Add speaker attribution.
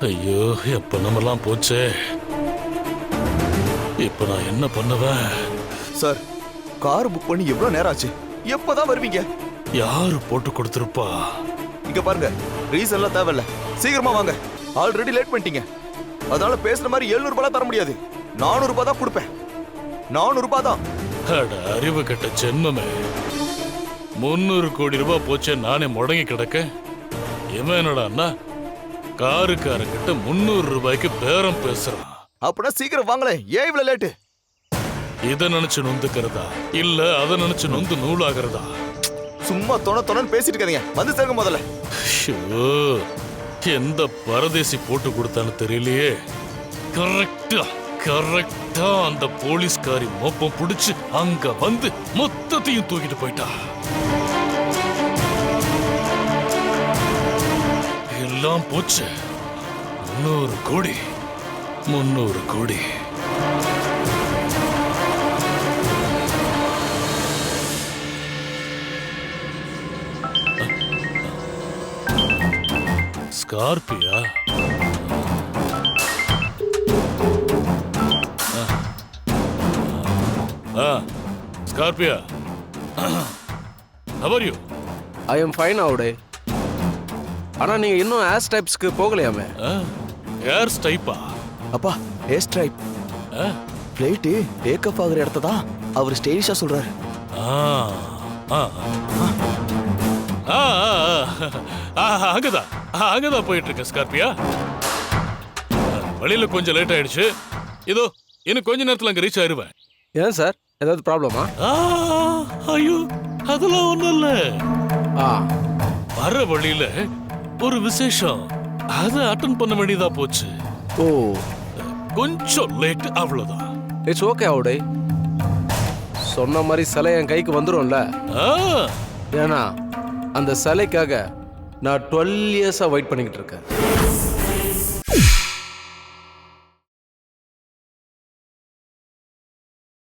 Speaker 1: ஐயோ, எப்ப நம்மெல்லாம் போச்சே. இப்ப நான் என்ன பண்ணுவேன்?
Speaker 2: சார், கார் புக் பண்ணி எவ்வளவு நேரம் ஆச்சு? எப்பதான் வருவீங்க?
Speaker 1: யாரு போட்டு கொடுத்துருப்பா?
Speaker 2: இங்க பாருங்க, ரீசன் எல்லாம் தேவையில்ல, சீக்கிரமா வாங்க. ஆல்ரெடி லேட் பண்ணிட்டீங்க. அதனால பேசுற மாதிரி 700 ரூபாய் தர முடியாது, 400 ரூபாய் தான் கொடுப்பேன். 400 ரூபாய் தான்.
Speaker 1: அட அறிவு கட்ட ஜென்மமே, 300 கோடி ரூபாய் போச்சே நானே முடங்கி கிடக்க. இவன் என்னடா காருக்காரங்கிட்ட 300 ரூபாய்க்கு பேரம் பேசுறான்.
Speaker 2: அப்படின்னா சீக்கிரம் வாங்களே, ஏன் இவ்வளவு லேட்டு?
Speaker 1: இதை நினைச்சு நொந்துக்கிறதா இல்ல அதை நினைச்சு நொந்து நூலாகிறதா?
Speaker 2: சும்மா தொணன்னு பேசிட்டு இருக்காதீங்க, வந்து சேருங்க முதல்ல.
Speaker 1: ஷோ, எந்த பரதேசி போட்டு கொடுத்தான்னு தெரியலையே. கரெக்டா அந்த போலீஸ்காரி மோப்பம் புடிச்சு அங்க வந்து மொத்தத்தையும் தூக்கிட்டு போயிட்டா. எல்லாம் போச்சு. 300 கோடி. ஸ்கார்பியா? ஸ்கார்பியா, how are you?
Speaker 3: I am fine அவுடே. ஆனா நீங்க இன்னும் ஏர் ஸ்டைப்ஸ்க்கு போகலையாமே.
Speaker 1: ஏர் ஸ்டைப்பா?
Speaker 2: அப்பா, air strip flight take off ஆகுற இடத்த தான் அவர் ஸ்டைலிஷா சொல்றாரு.
Speaker 1: அங்கதான் போயிட்டு இருக்க ஸ்கார்பியா. வழியில கொஞ்சம் லேட் ஆயிடுச்சு. இதோ இன்னும் கொஞ்ச நேரத்துல அங்க ரீச் ஆயிருவேன்.
Speaker 3: ஏன் சார், ஏதாவது ப்ராப்ளமா?
Speaker 1: ஐயோ, அதெல்லாம் ஒண்ணும் இல்ல.
Speaker 3: ஆ,
Speaker 1: வர வழியில ஒரு விசேஷம், அதை அட்டன் பண்ண வேண்டியதா போச்சு.
Speaker 3: ஓ,
Speaker 1: கொஞ்சம் லேட், அவ்வளவுதான்.
Speaker 3: இட்ஸ் ஓகே அவுடே. சொன்ன மாதிரி சிலை என் கைக்கு வந்துரும்ல. ஏன்னா அந்த சிலைக்காக நான் 12 இயர்ஸா வெயிட் பண்ணிக்கிட்டு இருக்கேன்.